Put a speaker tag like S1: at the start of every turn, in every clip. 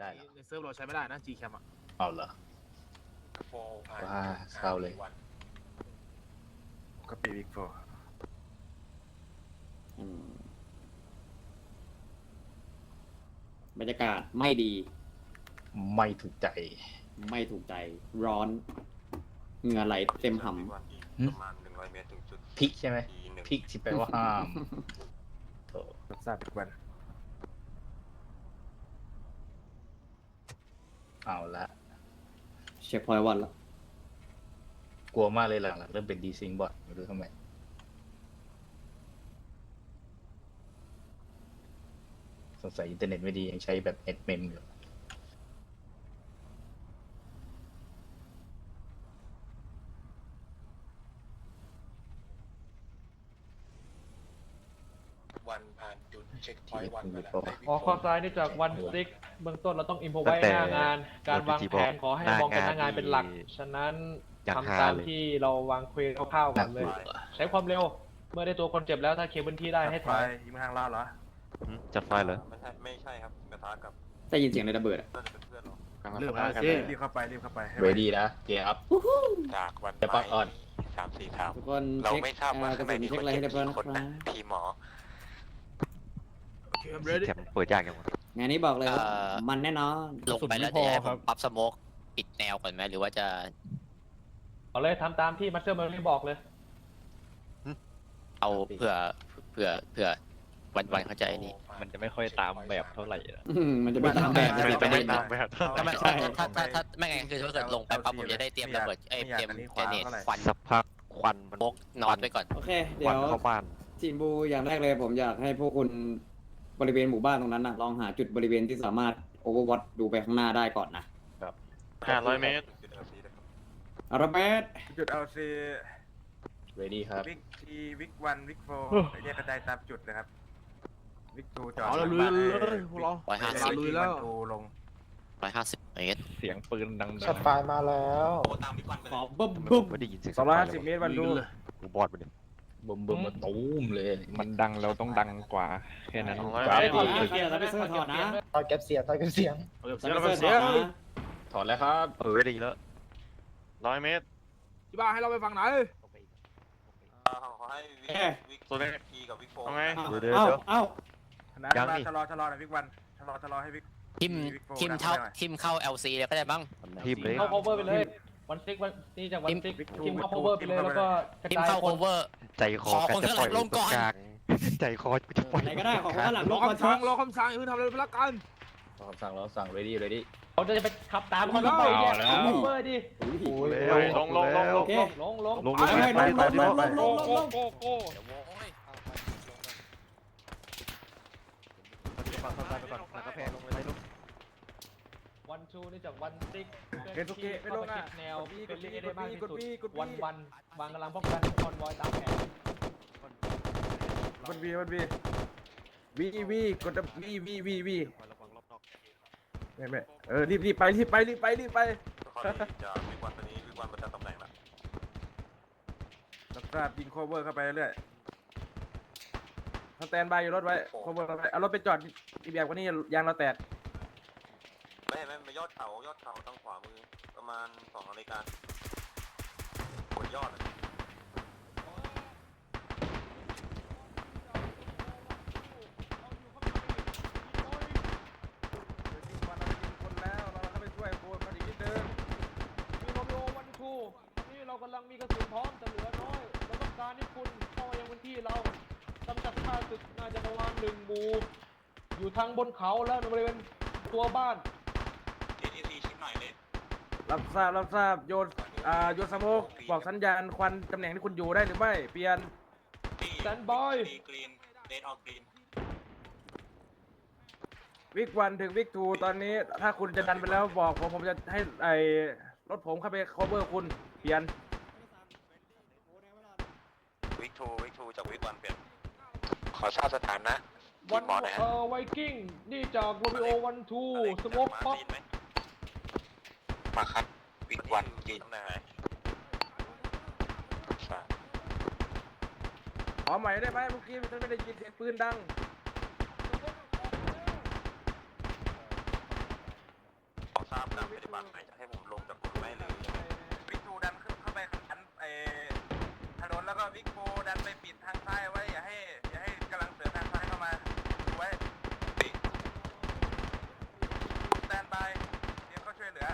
S1: ได้เหรอ
S2: ในเซิร์ฟเราใช้ไม่ได้นะ Gcam อ่ะ
S1: เอาเหรอว้าเศร้าเลย
S3: ก็ปีวิกโฟ
S4: บรรยากาศไม่ดี
S1: ไม่ถูกใจ
S4: ไม่ถูกใจร้อนเหงื่อไหลเต็มห
S5: ประมาณ100 เมตรถึงจุด
S1: พริกใช่ไหมพริกที่แปลว่าห้ามโถ
S3: รับทราบอีกวัน
S1: เอาละ
S4: ำเช็คพอยต์วันละ
S1: กลัวมากเลยหลังๆเริ่มเป็นดีซิงบอทไม่รู้ทำไมสงสัยอินเทอร์เน็ตไม่ดียังใช้แบบเน็ตเมมอยู่
S5: วันผ่านจุดเช็คพอยต์วันไปแล้ว
S6: ขอข้อซ้ายนี่จากวันซิกเบื้องต้นเราต้องอินโฟไว้หน้างาน การวางแผนขอให้มองเป็นหน้างานเป็นหลัก ฉะนั้นทำตามที่เราวางคุยคร่าวๆก่อนเลย ใช้ความเร็ว เมื่อได้ตัวคนเจ็บแล้วถ้าเคเบิลที่ได้ให้
S3: ไฟ
S6: ถอย
S3: ยิงทางลาดเหรอ
S7: จัดไฟเหรอ
S5: ไม่ใช่ครับกระทะกับ
S4: ได้ยินเสียงในระเบิดอะ
S5: น่าจะเป็นเพื่อนเรา
S2: เรื่องอะไรสิ
S3: รีบเข้าไปรีบเข้าไปให้
S1: เรดี้นะเกียร์อัพ
S5: จากวัน
S1: เดี๋ยวปั๊บออน
S5: 3-4 ถาม
S4: ทุกคน
S5: เรา
S4: เช็ค
S5: ไม่ทราบว่า
S4: กระ
S5: ข้างใน
S4: สุน
S5: มี
S4: เช็
S5: ค
S4: คน อะไร
S5: เจ็
S4: ให้
S5: บ
S4: เรียบร้อย
S5: กี่
S4: นะ
S5: คน
S4: ครั
S5: นะ
S4: บ
S5: ทีมหมอ
S2: โอเค I'm ready
S7: แคมเปิดยากยังวะ
S4: งานนี้บอกเลยว่ามันแน่นอน
S8: ลงไปแล้วจะให้ผมปรับสโมกปิดแนวก่อนไหมหรือว่าจะ
S6: เอาเลยทำตามที่มัสเตอร์เมอรี่บอกเลย
S8: เอาเผื่อวันเข้าใจนี่
S7: มันจะไม่ค่อยตามแบบเท่าไหร่อะ
S4: มันจะไม่ตามแบบ
S7: มันจะไม่ตามแบบ
S8: ถ้าไม่
S4: ใช่
S8: ถ้าไม่ไงคือถ้าเกิดลงไปปั๊บผมจะได้เตรียมระเบิดเตรียมเจเนตควัน
S7: สักพักควันมัน
S8: โมกนอนไปก่อน
S4: โอเค เดี๋
S7: ควั
S4: ย
S7: น
S4: ว
S7: เข้าบ้าน
S4: ทีมบูอย่างแรกเลยผมอยากให้พวกคุณบริเวณหมู่บ้านตรงนั้นนะลองหาจุดบริเวณที่สามารถโอเวอร์วอตดูไปข้างหน้าได้ก่อนนะ
S7: 500 เมตร
S4: อาราเบส
S3: จุดเอาซี
S1: เรดี้ครับ
S3: วิกทีวิกวันวิกโฟแยกกระจายตามจุดนะครับ วิกทูจอด
S2: เอาละลุยเลยพวกเรา
S8: 150
S2: ลุยแล้ว
S3: ทูลง
S8: 150 เมตร
S7: เสียงปืนดัง
S1: ช็อตไฟมาแล้ว
S4: ขอบึ้ม
S7: ๆ
S4: บึ้ม
S7: ไม่ได้ยินเสียง
S3: 250 เมตรวันดู
S2: เลย
S7: กูบอดไปดิ
S1: บึมมาตูมเลย
S7: มันดังเราต้องดังกว่าแค่นั้น
S1: ครับ
S4: ถอดนะเกียร์แล้วไปเสื้อถอดนะ
S1: ตอนเก็บเสียงตอนเก็บเสียง
S2: เอาเก็บ
S4: ใส่
S2: เสียง
S4: ไป
S2: เราไป
S4: เสื้อ
S2: เสี
S4: ถ
S2: ย
S4: อดนะ
S1: ถอดแล้วครับ
S7: ดีแล้ว100 เมตร
S2: ที่บ้านให้เราไปฝั่งไหน
S5: ขอให้วิก
S7: ตัวนี้
S5: ทีกับวิกโฟ
S7: เอาไง
S4: เอ้าเอ้า
S3: นะ
S7: ยังนี่
S3: ชะลอหน่อยวิกวันชะลอให้วิก
S8: ทิมเข้า LC เลยก็ได้บ้าง
S7: ทีมเลย
S6: เข้า cover ไปเลย วันซิกวันนี่จากวันซิกทีมเข้า cover ไปเลยแล้วก็กระ
S8: ทิม
S6: จาย
S8: เข้า
S6: คน
S8: cover
S7: ใจคอ
S8: ขอคนข้างหลังลงก่อน
S7: ใจคอจะปล่อย
S4: ไหนก็ได้ของข้างหลัง
S2: ร
S4: ล
S2: อง
S4: ก่อน
S2: คำสั่งรอคำสั่งอย่าเพิ่งทำอะไรไปละกัน
S1: รอคำสั่งเราสั่ง ready ready
S6: เขาจะไปขับตามคนไปเนี่ยเอา cover ดิ
S7: ลง
S4: โอเค
S6: ลง
S7: ลง
S6: ไป
S3: ไปไป
S6: โกโกโกโก วันชูนี่จากวันซิก
S3: เกนทุกเกไม่ลงอ่ะ
S6: แนว
S3: ก
S6: เป็น
S3: ด
S6: ลี
S3: บี
S6: ได้มากที่
S3: กด
S6: สุด
S3: บีกดบี
S6: วันวางกำลังป้องกันคอนวอยตามแผน
S3: กดบีวีกดวีไม่รีบไป
S5: ขอให้จากวิกวันตอนนี้วิกวันประจำตำแหน่งละ
S3: รับทราบยิงโคเวอร์เข้าไปเรื่อยสแตนบายอยู่รถไว้โคเวอร์เข้าไปเอารถไปจอดอีกแบบกว่านี้ยางเราแตก
S5: ไม่ยอดเขาทางขวามือประมาณ2 นาฬิกาบนยอด
S3: คนแล้วเราเข้าไปช่วยโคนมันอีกนิดนึง
S6: มีโรมิโอวันชูนี่เรากำลังมีกระสุนพร้อมแต่เหลือน้อยเราต้องการให้คุณเข้ามายังพื้นที่เรากำจัดข้าศึกน่าจะประมาณ1 หมู่อยู่ทางบนเขาแล้วในบริเวณตัวบ้าน
S5: TTC ชิปหน่อยเลย
S3: รับทราบโยนสโมกบอกสัญญาณควันตำแหน่งที่คุณอยู่ได้หรือไม่เปลี่ยน
S6: Stand by
S5: กรีนเรดออกกรีน
S3: วิกวันถึงวิกทูตอนนี้ถ้าคุณจะดันไปแล้วบอกผมจะให้รถผมเข้าไป cover คุณเปลี่ยน
S5: วิกทูจากวิกวันเปลี่ยนขอทราบสถานะ
S6: วัน
S5: หมอหน่อยฮะ
S6: ไวกิ้งนี่จากโรมิโอวันทูสโมกพ็อป
S5: มาครับวิกวันยืนตำแหน่งไหน
S3: ขอใหม่ได้ไหมเมื่อกี้ฉันไม่ได้ยินเสียงปืนดัง
S5: ทราบการปฏิบัติไหมจะให้ผมลงจากกลุ่มไหมหรือยังไงวิกทูดันขึ้นเข้าไปขันถนนแล้วก็วิกโฟดันไปปิดทางซ้ายไว้อย่าให้กำลังเสือทางซ้ายเข้ามาดูไว้สแตนบายเตรียมเข้าช่วยเหลือ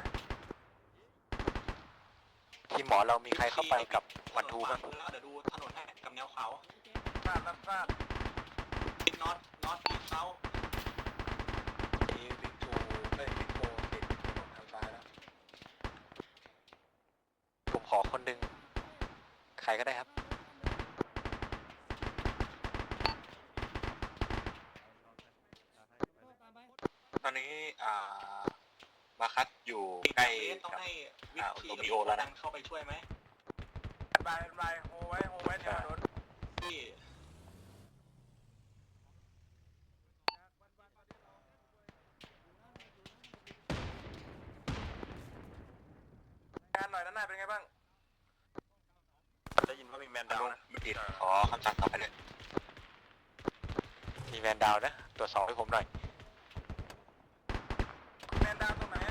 S5: ทีมหมอเรามีใครเข้าไปกับวันทูบ้างเดี๋ยวดูถนนให้กับแนวเขาทราบรับทราบทิศน็อตทิศเซาวิกทูวิกโฟติดถนนทางซ้ายแล้วผมขอคนหนึ่งใครก็ได้ครับตอนนี้มาคัดอยู่ใกล้กับโรมิโอแล้วนะเข้าไปช่วยไหมบายโฮไว้แถวรถที่งานหน่อยด้านหน้าเป็นไงบ้างได้ยินว่ามีแมนดาวนะไม่ผิดขอคำสั่งต่อไปเลยมีแมนดาวนะตรวจสอบให้ผมหน่อยแมนดาวตรงไหน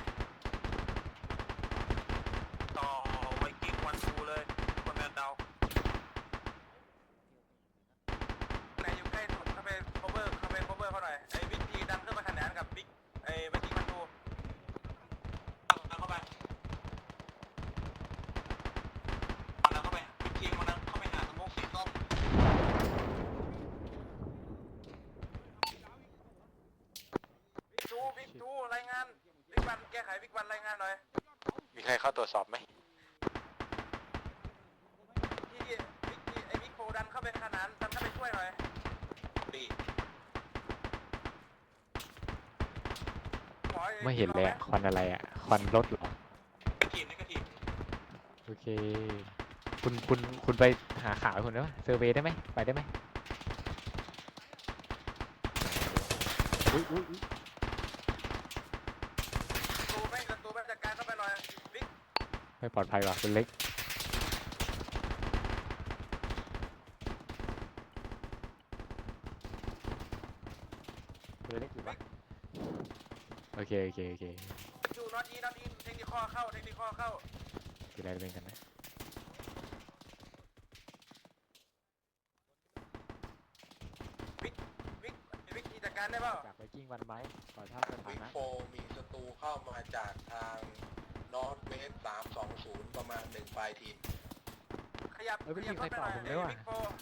S5: ต่อไวกิ้งวันทูเลยคนแมนดาวไหนอยู่ใกล้สุดเข้าไป cover เขาหน่อยไอ้วิธีดันขึ้นมาขนานกับบิ๊กไอ้ไวกิ้งวันทูดันเข้าไปบิ๊กทีมมันเข้าไปหาสโมกสีส้มบิ๊กทูรายงานบิ๊กวันแก้ไขบิ๊กวันรายงานหน่อยมีใครเข้าตรวจสอบไหมที่ไอ้บิ๊กโฟดันเข้าไปขนานดันเข้าไปช่วยหน่อยดี
S7: ไม่เห็นเลยควันอะไรอ่ะควันรถเหรอ
S5: ทีมนี่ก็ทีม
S7: โอเคคุณไปหาข่าวคุณได้ไหมเซอร์เวย์ได้ไหมไปได้ไหมอุ้ย
S5: ตูไม่จัดการเข้าไปหน่อยบิ๊ก
S7: ไม่ปลอดภัยว่ะคุณเล็กคุณเล็กอยู่ปะโอเค
S5: ดูน็อตอีเทคนิคเข้า
S7: คืออะไรเป็นกันนะ
S5: บิ๊กจัดการได้เปล่า
S7: จากไวกิ้งวันไหมขอทราบสถา
S9: วิก
S7: นะ
S9: โฟมีศัตรูเข้ามาจากทางนอร์ทเวส320ประมาณ1ปลายทีม
S5: ขยับ
S7: ไม่มีใครตอบผมเลยว่ะ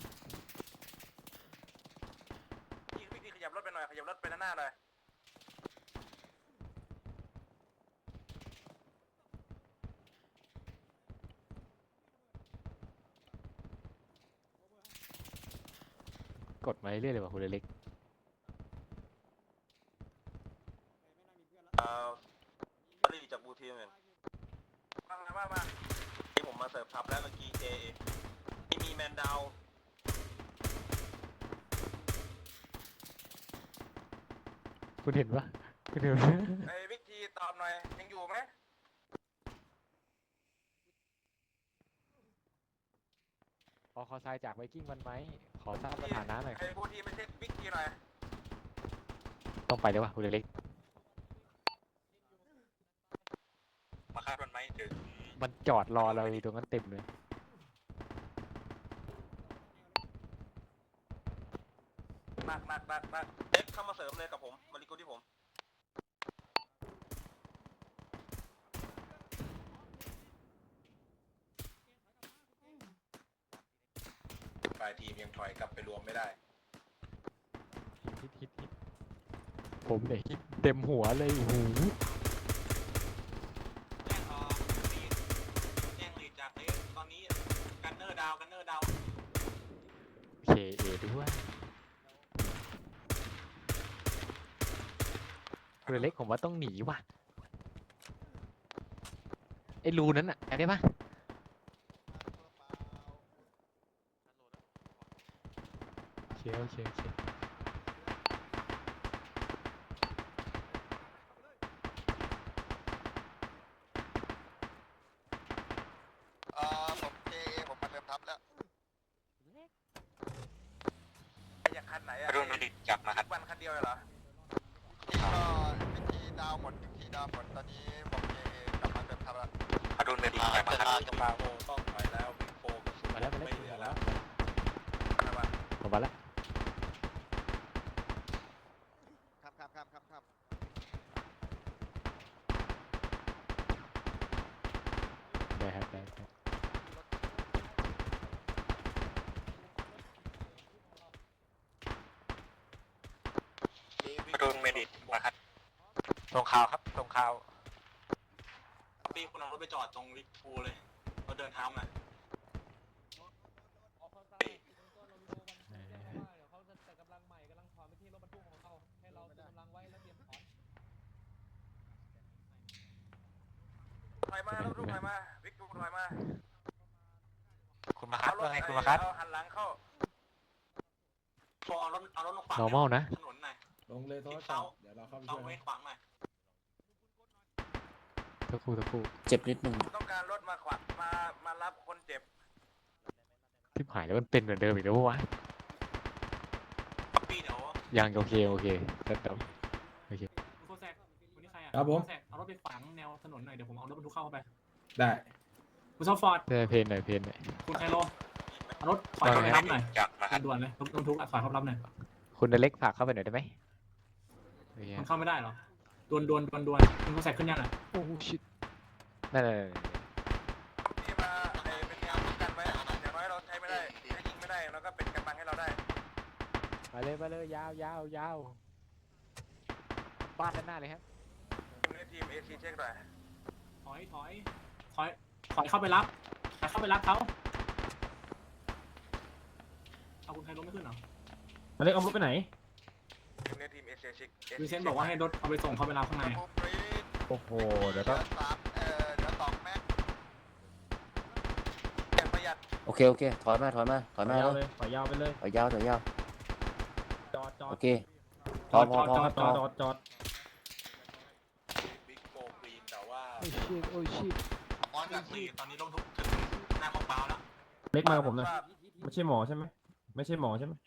S5: บิ๊กขยับรถไปหน่อยขยับรถไปด้านหน้าหน่อย
S7: กดมาเรื่อยๆเลยว่ะคุณเล็ก
S5: รีจากบูทีมเองมาที่ผมมาเสิร์ฟทับแล้วเมื่อกี้ที่มีแมนดาว
S7: คุณเห็นปะคุณเห็นปะ
S5: ไอ้วิธีตอบหน่อยยังอยู่ไหม
S7: ขอทรายจากไวกิ้งวันไหมขอทราบสถานะหน่อย
S5: ไอ้บูทีไม่ใช่วิธีหน่อย
S7: ต้องไปเลยวะคุณเล็ก
S5: มาคาดมันไหมถึง
S7: มันจอดรอเราอยู่ตรงนั้นเต็มเลย
S5: หนักเด็กเข้ามาเสริมเลยกับผมมาริโกที่ผม
S9: ปลายทีมยังถอยกลับไปรวมไม่ได้
S7: ฮิตผมเนี่ยฮิตเต็มหัวเลยโอ้โห
S5: แจ้งลีดจากเลสตอนนี้กันเนอร์ดาว
S7: เคเอด้วยคุณเล็กผมว่าต้องหนีว่ะไอ้รูนั้นอะแอบได้ปะโอเค
S5: ผมผมมาเริ่มทับแล้วอยากคันไหนอะรุ่นดิจับมาคันวันคันเดียวเหรอที่ก็วิธีดาวหมดตอนนี้ผมเลยถอยมาครับ
S9: บาโอต้องถอยแล้วบิ๊กโฟกระสุน
S7: มาแล้ว
S9: ไม่เหลือแล้ว
S7: ผมมาแล้ว
S5: ครับ
S7: ได้ครับได้ครับ
S5: โดนเมดิตมาครับตรงข่าวครับตรงข่าวพี่คุณเอารถไปจอดตรงวิกพูเลยเราเดินเท้ามา ถอยมาแล้วลูกถอยมาวิกดูถอยมาคุณมาคัดว่าไงคุณมาคัดหันหลังเข้าเอารถลงขวาง
S7: normal นะ
S5: ถนนหน่อย
S2: ลงเลยโทษจับเดี๋ยวเราเข้าไป
S5: เอา
S2: ช่วย
S5: ไว้ขวางหน่อย
S7: สักครู่
S8: เจ็บนิดนึง
S5: ต้องการรถมาขวางมารับคนเจ็บ
S7: ทิพหายแล้วมันเป็นเหมือนเดิมอีกแล้ววะ
S5: พี่เดี๋ยว
S7: ยังโอเคแล้วเดี๋ยว
S3: โคแซกคนนี้ใครอ่ะ
S2: ครับผม
S3: โคแซกเอารถไปขวางแนวถนนหน่อยเดี๋ยวผมเอารถบรรทุกเข้าไป
S2: ได้
S3: คุณซอฟฟอร์ด
S7: เพนหน่อย
S3: คุณไคโลเอารถถอยเข้าไปรับหน่อย
S5: จับมาครับ
S3: ด่วนๆเลยรถบรรทุกถอยเข้าไปรับหน่อย
S7: คุณเล็กฝากเข้าไปหน่อยได้ไหมโอเค
S3: มันเข้าไม่ได้เหรอดวนคุณโคแซกขึ้นยังอ่ะ
S7: โอ้ชิตนั่น
S5: พี่มาเป็นแนวป้องกันไว้อย่างน้อยเราใช้ไม่ได้ถ้ายิงไม่ได้เราก็เป็นกำบังให้เราได้
S7: มาเลยยาวบ้านด้านหน้าเลยครับ
S5: ทีมเอซีเช็คหน่อย
S3: ถอยเข้าไปรับเขาเอาคุณไคโลไม่ขึ้นเหรอ
S2: มาเล็กเอารถไปไหน
S5: ทีมเอซีเช็ค
S3: วิเซนบอกว่าให้รถเอาไปส่งเข้าไปรับข้างใน
S2: โอ้โหเดี๋ยวก็
S5: เดี๋ยว2 แม็กอย่างประหยัด
S8: โอเคถอยมาแล้ว
S2: เลยปล่อยยาวไปเลย
S8: ถอยยาว
S2: จอด
S8: โอเคพอครับพอ
S2: จอด
S9: บิ๊กโฟกรีนแต่ว่า
S7: โอ้ชิต
S5: ออนจาก4ตอนนี้ลงทุกถึงหน้าของเปล่าแล้ว
S2: เล็กมากับผมหน่อยไม่ใช่หมอใช่ไหมไม่ใช่หมอใช่ไหม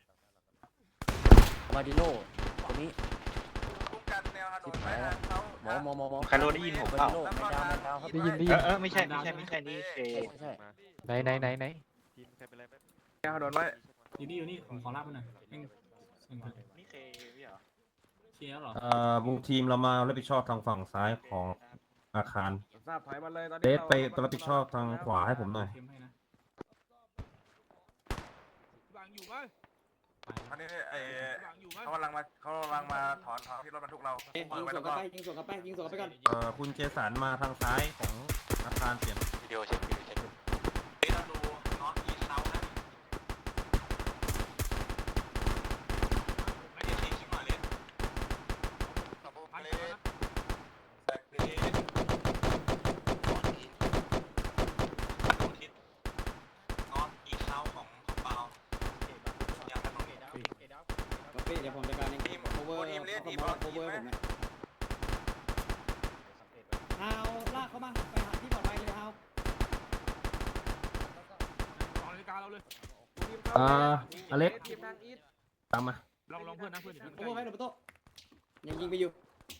S8: มาดิโน่คนนี้
S5: คุ้มกันแนวถนนไว้ทางเขา
S8: หมอ
S1: ใครรู้ได้ยินผมเปล่า
S8: ไม่ดาวครับ
S7: ได้ยิน
S1: ไม่ใช่นี่
S8: ใช่
S7: ไหน
S3: แนวถนนไว้อยู่นี่ผมขอรับมันหน่อยนี่เคลียร์เหรอ
S2: บุกทีมเรามารับผิดชอบทางฝั่งซ้ายของอาคาร
S3: ทราบถอยมาเลยตอนนี้
S2: เดสไปรับผิดชอบทางขวาให้ผมหน่อย
S3: บังอยู่ไหม
S5: ตอนนี้เขากำลังมาถอนที่รถบรรทุกเรา
S4: ยิง
S5: เปิดไว้
S4: สวน
S5: แล้ว
S4: กลั
S5: ก็
S4: บไปยิงสวนกลับไปก่อน
S2: คุณเจสันมาทางซ้ายของอาคารเปลี่ยน
S5: วิดีโอเช็คเราดูน็อตอีเซานะไม่ได้เช็คชิบหายเลยแบกเพลย์ก่อนอินดูทิศน็อตอีเซาของเปาอย่างถนน
S4: โอเคเดี๋ยวผมจัดการเอง
S5: ทีม
S4: cover
S5: ทีมเลียดทีม
S4: cover
S5: ทีม
S4: cover
S5: ไหม
S4: ผมนะเอาลากเข้ามาไปหาที่ปลอดภัยเลยเอา
S2: อเล็กตามมา
S3: ลองเพื่อนนะเพื่อน
S4: cover ไว้หนูประตูยังยิงไปอยู่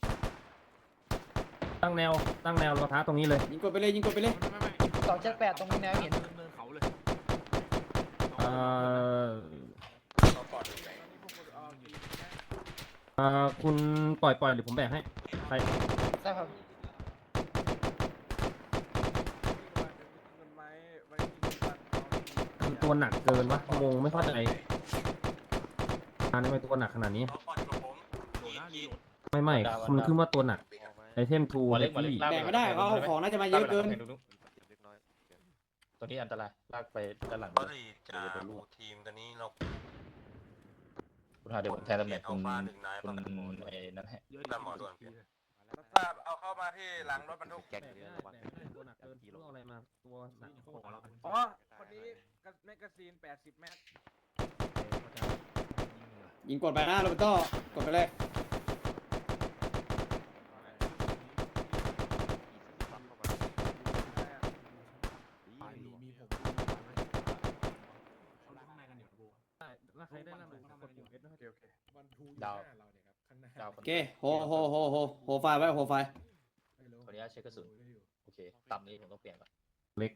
S2: ตั้งแนวรอท้าตรงนี้เลย
S4: ยิงกดไปเลย
S6: 278ตรงนี้แนวเห็น
S3: เนินเขาเลย
S2: คุณปล่อยหรือผมแบกให้ใคร
S6: ได้ครับ
S2: คือตัวหนักเกินวะงงไม่เข้าใจทำไมตัวหนักขนาดนี้
S5: เขาปล่อยกับผมอีก
S2: ไม่มันคือว่าตัวหนักไอเทมทู
S1: หัว
S2: เฮ
S1: เล็ก
S2: ฟวี่
S4: แบกไม่ได้เขาเอาของน่าจะมาเยอะเกิน
S1: ตัวนี้อันตรายลากไปด้านหลัง
S5: ก็เลยจะดูทีมตอนนี้เรา
S1: คุณหาเดี๋ยวผมแทนตำแหน่งคุณ
S5: 1 นาย
S1: คุณไอ้นั่นให้
S5: ตามหมอด่วนทราบเอาเข้ามาที่หลังรถบรรทุก
S2: ตัวหนักเกินตัวอะไรมาตัวหนัก
S3: อ๋อคนนี้แมกกาซีน80 แม็ก
S4: ยิงกดไปหน้าโรเบโต้กดไปเลย
S3: ข้างในกันเดี๋ยวกู
S2: ใครได้นำกดปุ่ม S นะครับ
S1: ดาวดาว
S4: โอเคโฮไฟไว้โฮไฟ
S1: ขออนุญาตเช็คกระสุนโอเคเคต่ำนี้ผมต้องเปลี่ยนก่อน
S2: เล็ก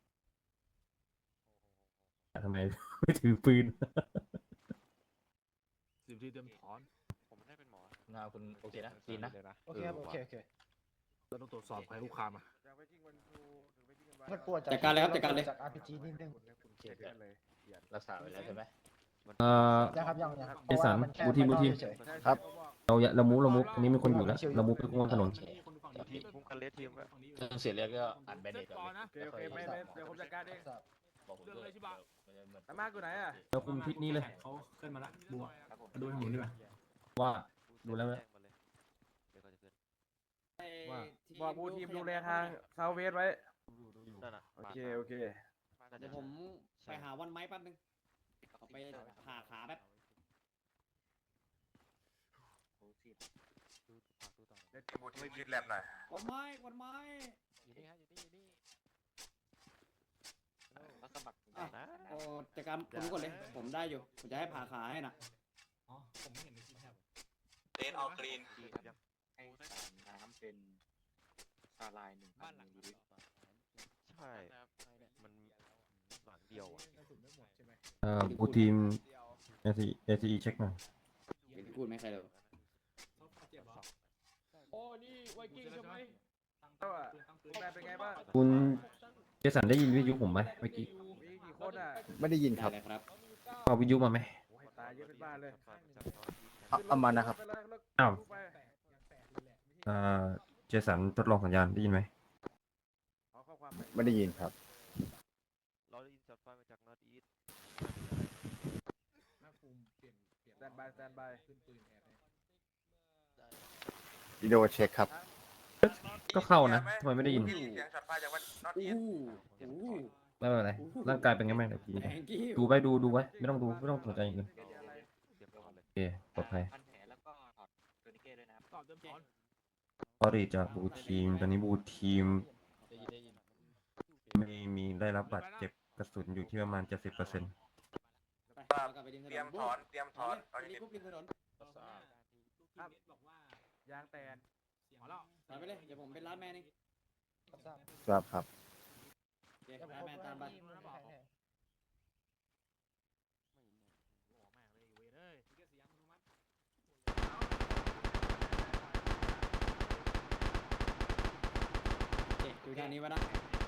S2: ทำไม ไม่ถือปืน
S3: 10 ทีเตรียมถอน
S7: ผมได้เป็นหมอ
S1: หน้าคุณโอเคนะซีนนะ
S8: โอเคครับโอเคโอเค
S3: เราต้องตรวจสอบใครคุกคามอ่ะ
S8: มันปวด
S4: จัดการเลยครับจัดการเลย
S8: จาก RPG นิดนึง
S1: โอเครักษาไว้แล้วใช่ไหม
S8: ยังครับยังครับ
S2: เจสันบูทีม
S1: ครับ
S2: เรามูอันนี้มีคนอยู่แล้วเรามูไปกว้างถนน
S7: มุมคันเลสทีม
S1: เรื่องเสียเรียกก็อ่านแบนเดตก่อน
S3: โอเคโอเคไม่เดี๋ยวผมจัดการเอง
S1: บอกผมด้วย
S3: อาม่าอยู่ไหนอ่ะ
S2: เราคุมทิศนี้เลย
S10: เขาขึ้นมาละบัวดูทางหมุนดีกว่า
S2: ว่าดูแล้วนะ
S3: ว่าบอกบูทีมดูแลทางเซาเวสไว้โอเคโอเค
S4: เดี๋ยวผมไปหาวันไม้แป๊บนึงขอไปผ่าขาแป๊บ
S5: เดี๋ยวบูทีมคิดแลบหน่อย
S4: วันไม้วันไม้
S7: อยู่นี่ฮะอยู่นี่
S4: อ่ะโอ้จัดการคุณก่อนเลย ผมได้อยู่ ผมจะให้ผ่าขาให้น่ะ
S10: อ๋อ ผมไม่เห็นในคลิปแทบ
S5: เลนออกกรีน
S1: น้ำเป็นซาลาย1,000 มิลลิลิตร
S7: ใช่มันหลังเดียวอ่ะ
S10: กระสุนไม่หมดใช่ไหม
S2: บูทีม ACE เช็คหน่อย
S4: เห็นพูดไหมใครเลย
S10: เขาเจ็บเหรอ
S6: โอ้นี่ไวกิ้งใช่ไหม
S3: ก็แม่เป็นไงบ้าง
S2: คุณเจสันได้ยินวิทยุผมไหมเมื่อกี้
S3: มีกี่คนอ่ะ
S1: ไม่ได้ยินครับ
S4: ได้เลยครับ
S2: เอาวิทยุมาไหม
S3: โอ้ยตายเยอะเป็นบ้านเลย
S1: เอามานะครับ
S2: อ้าวเจสันทดลองสัญญาณได้ยินไหม
S3: ขอข้อความ
S1: ไม่ได้ยินครับ
S7: เราได้ยินช็อตไฟมาจากนอร์ทอีส
S10: หน้าภูมิเปลี่ยน
S3: สแตนบายสแตนบาย
S10: ขึ้นปืนแอบให้
S1: วิดีโอเช็คครับ
S2: ก็เข้านะทำไมไม่ได้ยิน
S5: เสียงช็อตไฟจากวันน็อต
S4: อู้
S5: อีท
S4: อู้
S2: ไม่เป็นไรร่างกายเป็นไงบ้างเดี๋ยวพี่
S4: แองกี้
S2: ดูไว้ดูไว้ไม่ต้องสนใจอย่างอื่น
S7: เตรียมตัวเลย
S2: โอเคปลอดภัย
S8: พันแผลแล้วก็ถอดตัวนิเก้ด้วยนะครับ
S3: ตอบเต็มถอน
S2: พอดีจากบูทีมตอนนี้บูทีม
S1: ได้ยิน
S2: มีได้รับบาดเจ็บกระสุนอยู่ที่ประมาณ 70%
S4: ไปเรากลับไปริมถนน
S5: เตรียมถอนเตรียมถอนเอา
S4: ไป
S5: ดิ
S4: ปุ๊บริมถนน
S3: ครับ
S10: บอกว่าย
S3: างแตน
S10: เสียงแล้ว
S4: ถอนไปเลย เดี๋ยวผมเป็นร้านแมนเอง
S1: ครับครับ
S4: โอเคร้านแมนตามไป โอเคดูทางนี้ไว้นะ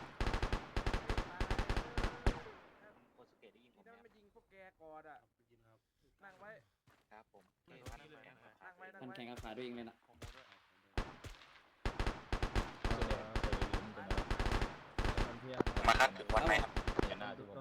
S8: โคสุเกะได้ยินผม
S3: นี่
S8: ไหม
S3: ถ้าไม่ยิงพวกแกก่อนอ่ะนั่งไว้
S8: ครับผม
S3: นั่งไว้นั่ง
S4: มัน
S3: ไว้
S4: แข่งกับขาด้วยเองเลยนะ
S5: มาคัดถึงวันไหนครับ
S1: อย่างหน้าที่ผม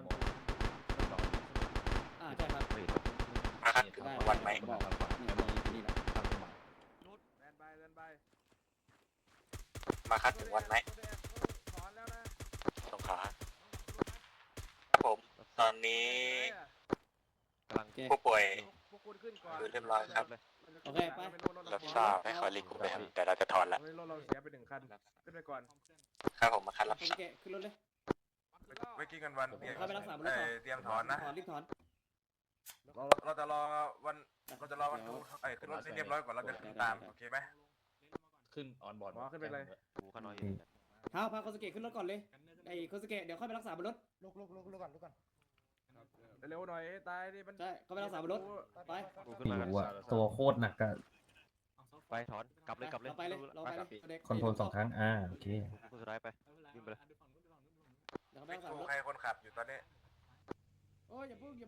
S4: ใช่ครับ
S5: มาคัดถึง
S4: ได้
S5: วันไหน
S4: บอกนี่นี่แหละ
S3: สแตนบายสแตนบาย
S5: มาคัดถึงวันไหน
S3: ถอนแล้วนะ
S5: สงขลาผม ตอนนี้
S7: กำลัง
S4: โอเค
S5: ผู้ป่วย
S3: พวกคุณขึ้นก่อน
S5: คือเรียบร้อยครับ
S4: โอเคไป
S5: รับทราบให้คอยรีคูปไปครับแต่เราจะถอนแล้ว
S3: รถเราเสียไป1 คันขึ้นไปก่อน
S5: ครับผมมาคัดรับ
S4: โอเคขึ้นรถเลย
S5: เมื่อกี้กันวัน
S4: เข้าไปรักษาบนรถก่อน
S5: เตรียมถอนนะ
S4: ถอนรีบถอน
S5: เราจะรอวันดูขึ้นรถให้เรียบร้อยก่อนเราจะตามโอเคไหม
S1: ขึ้นออนบอร์ด
S7: หูข้างน้อย
S4: พาโคสเกะขึ้นรถก่อนเลยไอ้โคสเกะเดี๋ยวค่อยไปรักษาบนรถ
S8: ลุกก่อน
S3: เร็วหน่อยตายดิมัน
S4: ใช่เข้าไปรักษาบนรถไป
S7: หูขึ้นมา
S2: อยู่อะตัวโคตรหนักอะ
S7: ไปถอนกลับเลย
S4: เราไปเลยเราไปเลยเด็ก
S2: คอนโทรล2 ครั้งโอเค
S7: คนสุดท้ายไปวิ่งไปเลย
S4: เดี๋ยวเขาไป
S5: วิ
S4: รักษา
S5: ทู
S4: บนรถ
S5: ใครคนขับอยู่ตอนนี้
S4: โอ้ยอย่าพึ่ง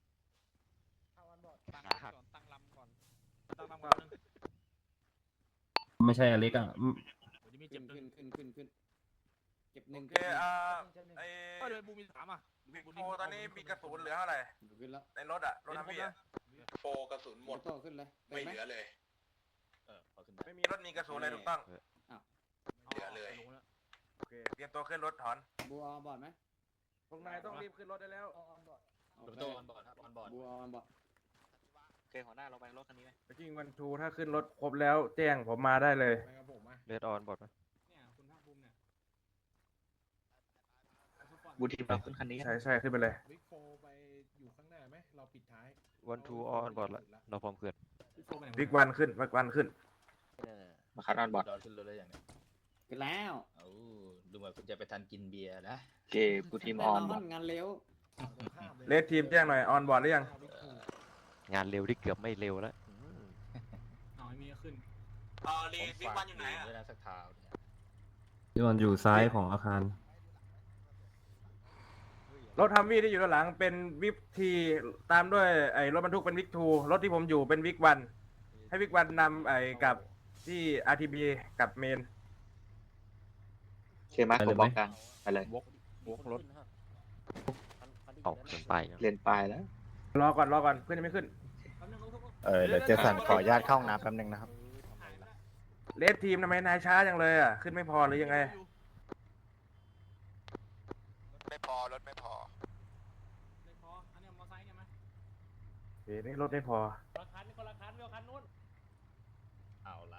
S7: ขาหัก
S2: ไม่ใช่อเล็กอะ
S4: ขึ้นเก็บหนึ่ง
S5: โอเคไอ้วิกโฟตอนนี้มีกระสุนเหลือเท่าไหร่
S4: ขึ้นแล้ว
S5: ในรถอะรถทัมวี่อะ
S9: โปรกระสุนหมด
S4: โต้ขึ้นเลย
S9: ไม่เหลือเลย
S1: พอขึ้นได้
S3: ไม่มี
S5: รถมีกระสุนเลยถูกต้อง
S9: เหลือเลย
S3: โอเค
S5: เตรียมตัวขึ้นรถถอน
S4: บัวบอดไหม
S3: พวกนายต้องรีบขึ้นรถได้แล้ว
S1: รถตู้ออนบอร์ดครับออนบอร์ด
S4: บัวบอด
S8: โอเคหัวหน้าเราไปรถคันนี้ไหม
S3: จริงวันทูถ้าขึ้นรถครบแล้วแจ้งผมมาได้เลย
S10: ไปกับผมอ่ะ
S7: เลดออนบอดไหม
S10: เนี่ยคุณภาคภูมิเนี่ย
S8: บูทีมเราขึ้นคันนี้
S3: ใช่ขึ้นไปเลย
S10: วิกโฟไปอยู่ข้างหน้าไหมเราปิดท้าย
S7: วันทูออนบอดละเราพร้อมเกิน
S10: วิกโฟไปไหน
S3: วิกวันขึ้น
S8: มาคัดออนบอร์ด
S1: ดอขึ้นรถได้อย่างเนี้ย
S4: ขึ้นแล้ว
S1: เอา
S8: เหมือนคุณจะไปทันกินเบียร์นะ
S1: โอเคกูทีมออน
S4: งานเร็ว
S3: เลดทีมแจ้งหน่อยออนบอร์ดหรือยัง
S7: งานเร็วที่เกือบไม่เร็วแล้ว
S10: เอาไอ้มีขึ้น
S5: ลีดบิ๊กวันอยู่ไหนอะ
S8: ด้วยนะสักเท้าเนี่ย
S2: ที่มันอยู่ซ้ายของอาคาร
S3: รถทัมวี่ที่อยู่ด้านหลังเป็นวิกทีตามด้วยไอ้รถบรรทุกเป็นวิกทูรถที่ผมอยู่เป็นวิกวันให้วิกวันนำไอ้กับที่ RTB กับเมน
S1: โอเคไหม
S2: ไป
S1: ผ
S2: เลย
S1: ม
S2: ไหม
S1: บอกกลางไปเลย
S8: รถ
S7: ออกเกินไป
S1: เรียนปลายแล้ว
S3: รอก่อนเพื่อนยังไม่ขึ้น
S10: เดี๋ยวเจสันขออนุญาตเข้าห้องน้ำแป๊บนึงนะครับ
S3: เลดทีมทำไมนายช้าจังเลยอ่ะขึ้นไม่พอหรือยังไง
S5: ไม่พอรถไม่พอ
S10: ไม่พออันนี้มอไซค์เนี่ยไหม
S3: เฮ้ยนี่รถไม่พอ
S6: คนละคันคนละคันเวลคันนู้น
S8: เอาละ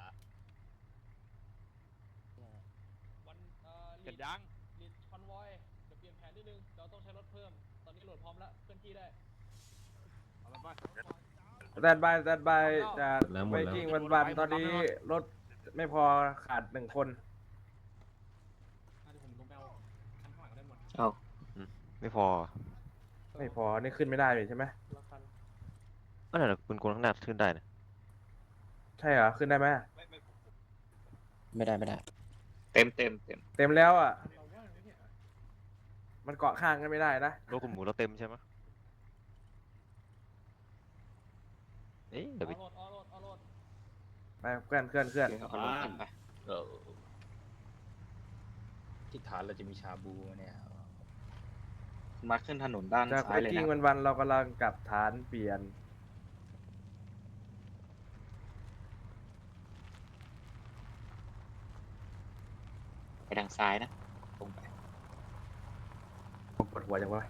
S6: วันลีดคอนวอยเดี๋ยวเปลี่ยนแผนนิดนึงเราต้องใช้รถเพิ่ม ตอนนี้โหลดพร้อมแล้วเคลื่อนที่ได้
S10: เอาละไป
S3: แตนบายจะ
S2: แล้วหม
S3: ไป
S2: ดแล้ว
S3: กิ้งวันตอนนี้รถไม่พอขาด1 คน
S10: เดี๋ยวผมลงไปเอาคันข้างหลังได้หมด
S1: เอา
S7: ไม่พอ
S3: ไม่พอนี่ขึ้นไม่ได้เลยใช่ไหม
S6: คนละคัน
S7: ก็ไหนคุณคนข้างหน้าขึ้นได้นะ
S3: ใช่เหรอขึ้นได้ไหม
S8: ไม่ได้ไม่ได้
S1: เต็ม
S3: เต็มแล้วอ่ะ
S10: เราว่างไหมเนี่ย
S3: มันเกาะข้างกันไม่ได้นะ
S7: รถคุณหมูเราเต็มใช่ไหมเอ๊ะเดี๋ยวไป
S6: ออโหลด
S3: ไปเคลื่อน
S1: เอารถขึ้นไป
S8: เออที่ฐานเราจะมีชาบูเนี่ย
S1: มาขึ้นถนนด้าน
S3: จาก
S1: ซ้า
S3: ไป
S1: ยเลย
S3: กิ้ง
S1: นะ
S3: วันเรากำลังกลับฐานเปลี่ยน
S1: ไปทางซ้ายนะตรงไป
S3: ผมปวดหัวจังวะ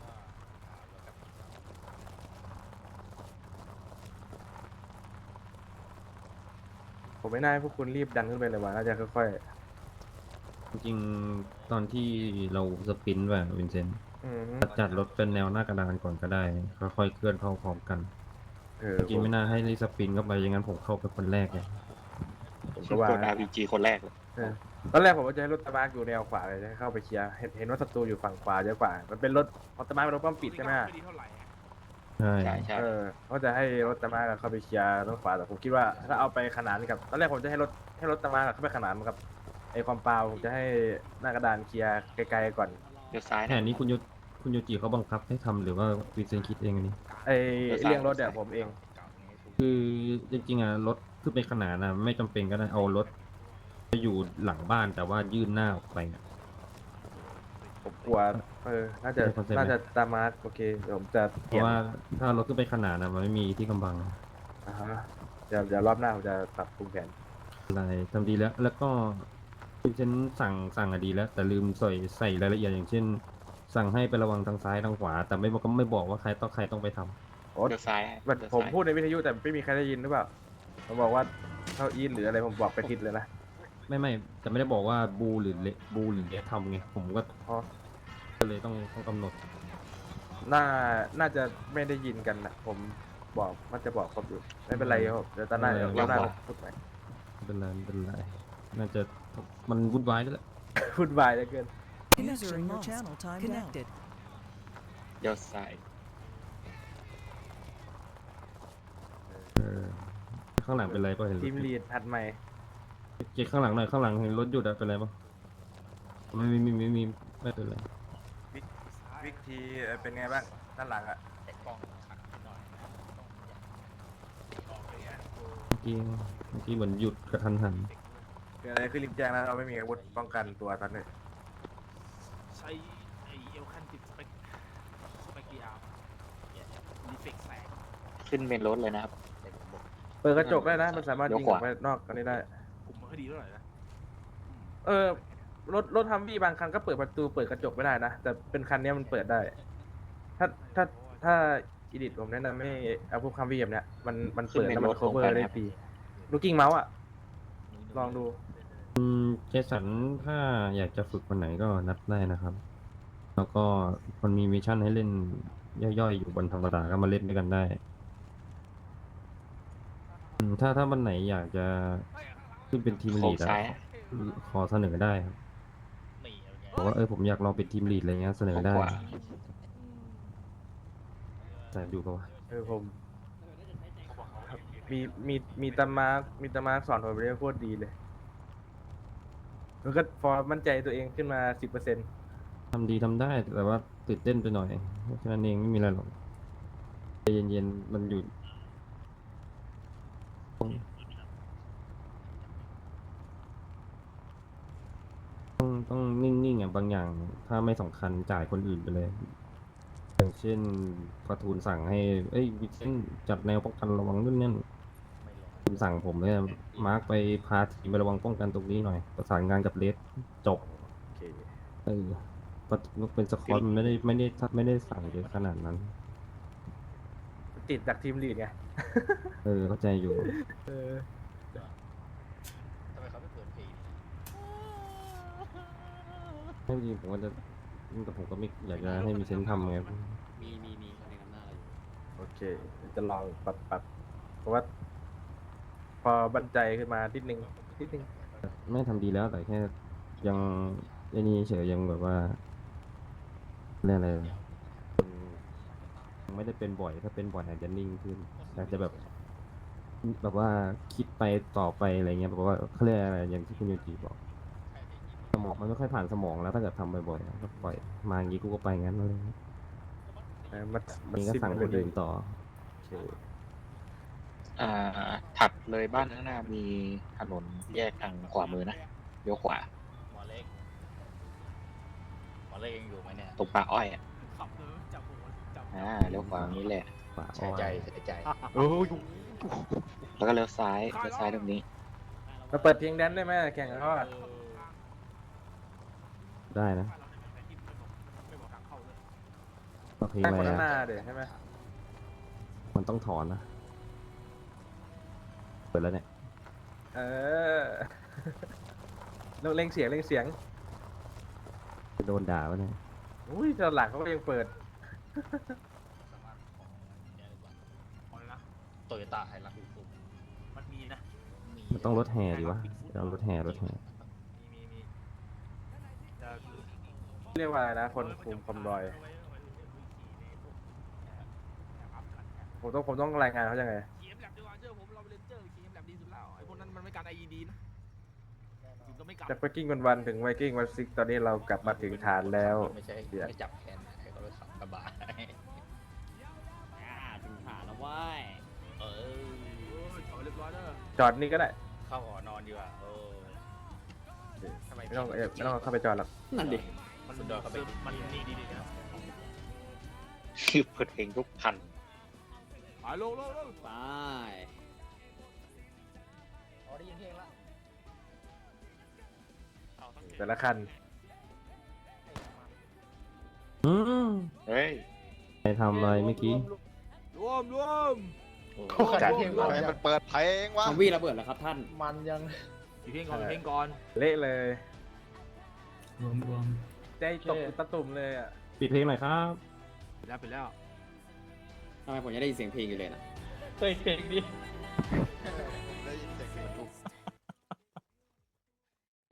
S3: ผมไม่น่าให้พวกคุณรีบดันขึ้นไปเลยว่ะน่าจะค่อย
S2: จริงๆตอนที่เราสปรินต์แบบวินเซนต์
S3: ๆ
S2: จัดรถเป็นแนวหน้ากระดานก่อนก็ได้ ค่อยๆเคลื่อนเข้าพร้อมกัน จริงๆไม่น่าให้รีบสปรินต์เข้าไปอย่างนั้นผมเข้าไปคนแรกเลย
S3: ผมก็ว่า
S1: กด RPG คนแรกเลย
S3: ตอนแรกผมว่าจะให้รถตะบากอยู่แนวขวาเลยจะให้เข้าไปเคลียร์เห็นว่าศัตรูอยู่ฝั่งขวาเยอะกว่า มันเป็นรถพอตะบากเป็นรถป้อมปิดใช่ไหม
S10: ไม่ดีเท่าไหร่อะ
S2: ใช่
S1: ใช่
S3: เขาจะให้รถตะบากเข้าไปเคลียร์รถขวาแต่ผมคิดว่าถ้าเอาไปขนานกับตอนแรกผมจะให้รถตะบากเข้าไปขนานกับไอ้ความเปล่าผมจะให้หน้ากระดานเคลียร์ไกลๆก่อน
S1: เดี๋ยวซ้าย
S2: แผนนี้คุณโยจิเขาบังคับให้ทำหรือว่าวินเซนต์คิดเองอันนี้
S3: ไอ้เรื่องรถเนี่ยผมเอง
S2: คือจริงๆอ่ะรถขึ้นไปขนาดนะไม่จำเป็นก็ได้เอารถไปอยู่หลังบ้านแต่ว่ายื่นหน้าออกไปอะ
S3: ผมกลัวน่าจะตามมาโอเคเดี๋ยวผมจะ
S2: เพ
S3: เปลี่ย
S2: ราะ
S3: น
S2: ว่าถ้ารถขึ้นไปขนาดนะมันไม่มีที่กำบัง
S3: อ่าฮะเดี๋ยวรอบหน้าผมจะปรับปรุงแผน
S2: อะไรทำดีแล้ว แล้วก็ฉันสั่งอะดีแล้ว แต่ลืมใส่รายละเอียดอย่างเช่น สั่งให้ไประวังทางซ้ายทางขวา แต่ไม่บอกว่าใครต้องไปทำ
S3: โอ้
S1: เดี๋ยวซ้าย
S3: ผมพูดในวิทยุแต่ไม่มีใครได้ยินหรือเปล่าผมบอกว่าเข้าอินหรืออะไรผมบอกไปผิดเลยนะ
S2: ไม่แต่ไม่ได้บอกว่าบูหรือเลทำไงผมก็
S3: อ๋อ
S2: เลยต้องกำหนด
S3: น่าจะไม่ได้ยินกันนะผมบอกมันจะบอกผมอยู่ไม่เป็นไรครับเดี๋ยวตอนหน้าเดี๋ยวรอบหน้าผมพูดใหม่
S2: ไม่เป็นไรน่าจะมันวุ่นวายแล้วแหละ
S3: พูดวายเหลือเกิน
S11: User in your channel timed connected.
S1: เดี๋ยวซ้าย
S2: ข้างหลังเป็นไรป่ะเห็นร
S3: ที
S2: ถ
S3: มลีดผัดใหม่
S2: เจ๊ข้างหลังหน่อยข้างหลังเห็นรถหยุดอะเป็นไรป่ะไม่เป็นไร
S3: วิกทีเป็นไงบ้างด้านหลังอ่ะ
S2: เมื่อกี้เหมือนหยุดกระทันหัน
S3: เกิดอะไรขึ้นรีบแจ้งนะเราไม่มีอาวุธป้องกันตัวตอนนี้
S10: ใช้ไอเอลคันติดสเปกเกียร์รีเฟกแสง
S1: ขึ้นเมนรถเลยนะครับ
S3: เปิดกระจกได้นะมันสามารถยิงออกไปนอกกันได้
S10: กลุ่มมันก็ดีเท่าไหร่นะ
S3: รถทัมวี่บางคันก็เปิดประตูเปิดกระจกไม่ได้นะแต่เป็นคันนี้มันเปิดได้ ถ้าอีดิทผมแนะนำไม่เอาพวกคัมวี่แบบเนี้ยมันเปิดแล้วมันโคเวอร์ได้ดีลูกกิ้งเมาส์อ่ะลองดู
S2: เจสันถ้าอยากจะฝึกวันไหนก็นัดได้นะครับ แล้วก็มันมีมิชชั่นให้เล่นย่อยๆอยู่บนธรรมดาก็มาเล่นด้วยกันได้ ถ้าวันไหนอยากจะขึ้นเป็นทีม
S1: โค้
S2: ลี
S1: ง
S2: ดอะ
S1: ซ้าย
S2: ขอเสนอได้ครับ
S8: นี่
S2: บอกว่าผมอยากลองเป็นทีมลีดอะไรเงี้ยเสนอได้
S1: กว่า
S2: แต่ดูปะวะ
S3: ผมมีตามาร์คสอนผมเรียกโคตรดีเลยมันก็พอมั่นใจตัวเองขึ้นมา 10%
S2: ทำดีทำได้แต่ว่าตื่นเต้นไปหน่อยแค่นั้นเองไม่มีอะไรหรอกใจเย็นๆมันอยู่ต้องนิ่งๆบางอย่างถ้าไม่สำคัญจ่ายคนอื่นไปเลย อย่างเช่นการ์ตูนสั่งให้วิเช่นจัดแนวป้องกันระวังนู่นนั่นคุณสั่งผมเลยมาร์กไปพาทีมไประวังป้องกันตรงนี้หน่อยประสานงานกับเลสจบ
S3: โอเค
S2: เป็นสควอตมันไม่ได้สั่งเยอะขนาดนั้น
S3: ติดจากทีมลีดไง
S2: เข้าใจอยู่
S8: ทำไมเขาไม่เปิดเพลง
S2: ไม่จริงผมว่าแต่ผมก็ไม่อยากจะให้มีเซนส์ทำไง
S4: มีคนในนำหน้าเราอยู่
S3: โอเคจะลองปรับเพราะว่า พอบันใจขึ้นมานิดนึง
S2: ไม่ทำดีแล้วแต่แค่ยังไอ้นี่เฉยยังแบบว่าเรียกอะไรยังไม่ได้เป็นบ่อยถ้าเป็นบ่อยอาจจะนิ่งขึ้นอาจจะแบบว่าคิดไปต่อไปอะไรเงี้ยแบบว่าเขาเรียกอะไรอย่างที่คุณโยจิบอกสมองมันไม่ค่อยผ่านสมองแล้วถ้าเกิดทำบ่อยๆก็ปล่อยมาอย่างนี้กูก็ไปงั้นเลย นี่ก็สั่งคนอื่นต่อ
S3: โอเค
S1: ถัดเลยบ้านข้างหน้ามีถนนแยกทางขวามือนะเลี้ยวขวา
S8: หมอเล็กยังอยู่ไหมเนี่ย
S1: ตรงป่าอ้อยอ่ะ
S10: ขับเลยจับหัวจับ
S1: เลี้ยวขวาตรงนี้แหละ
S2: ป่า
S8: เสียใจเสียใจ
S1: แล้วก็เลี้ยวซ้ายตรงนี้
S3: มาเปิดเพลงแดนซ์ได้ไหมแข่งกับเขาอะ
S2: ได้นะ
S10: ไม่บอกทางเข้าเลย
S2: ก็เพลง
S3: ให้
S2: อะไร
S3: คนข้างหน้า
S2: อะ
S3: เดี๋ยวใช่ไหม
S2: มันต้องถอนนะเปิดแล้วเนี่ย
S3: เออ เร่งเสียง
S2: จะโดนด่าวะเนี่ย
S3: อุ้ยตอนหลังเขาก็ยังเปิด
S10: พอแล้วนะ
S8: โตโยต้าไฮรักซ์
S10: มันมีนะ
S2: มันต้องรถแห่ดีวะเอารถแห่
S10: มีจะ
S3: เรียกว่าอะไรนะ คนคุมคอมรอย ผมต้องรายงานเขายังไง
S10: เกมแลบดีกว่าเจอผมเราเลนเจอร์เกมแลบดีสุดแล้วไอ้พวกนั้นมันไม่การ IED นะถึงก็ไม่กลับ
S3: จากไวกิ้งวันถึงไวกิ้งวันซิกตอนนี้เรากลับมาถึงฐานแล้ว
S8: ไม่ใช่ไม่จับแขนให้เขาไปขับกระบะ
S4: ถึงฐานแล้วว้ย
S8: เออ
S10: ถอยเรียบร้อยเด้อ
S3: จอดนี่ก็ได้
S8: เข้าหอนอนดีกว่าทำไม
S3: ไม่ต้องเข้าไปจอดหรอก
S4: นั่นดิ
S10: มันมันดีนะครับ
S1: คือเปิดเพลงทุกคัน
S10: ไปลง
S4: ไป
S8: ได้ยินเพลงละ
S3: แต่ละคัน
S1: เฮ้ย
S2: ใครทำอะไรเมื่อกี้
S10: รวม
S3: จัด
S9: มันเปิดเพลงวะ
S4: ทำวีระเบิดแล้วครับท่าน
S6: มันยัง
S10: อยู่เพลงก่อน
S3: เละเลย
S10: รวม
S3: ใจตกตะตุ่มเลยอ่ะ
S2: ปิดเพลงหน่อยครับ
S10: ไปแล้ว
S4: ทำไมผมยังได้ยินเสียงเพลงอยู่เลยนะ
S6: เฮ้ยเพลงนี้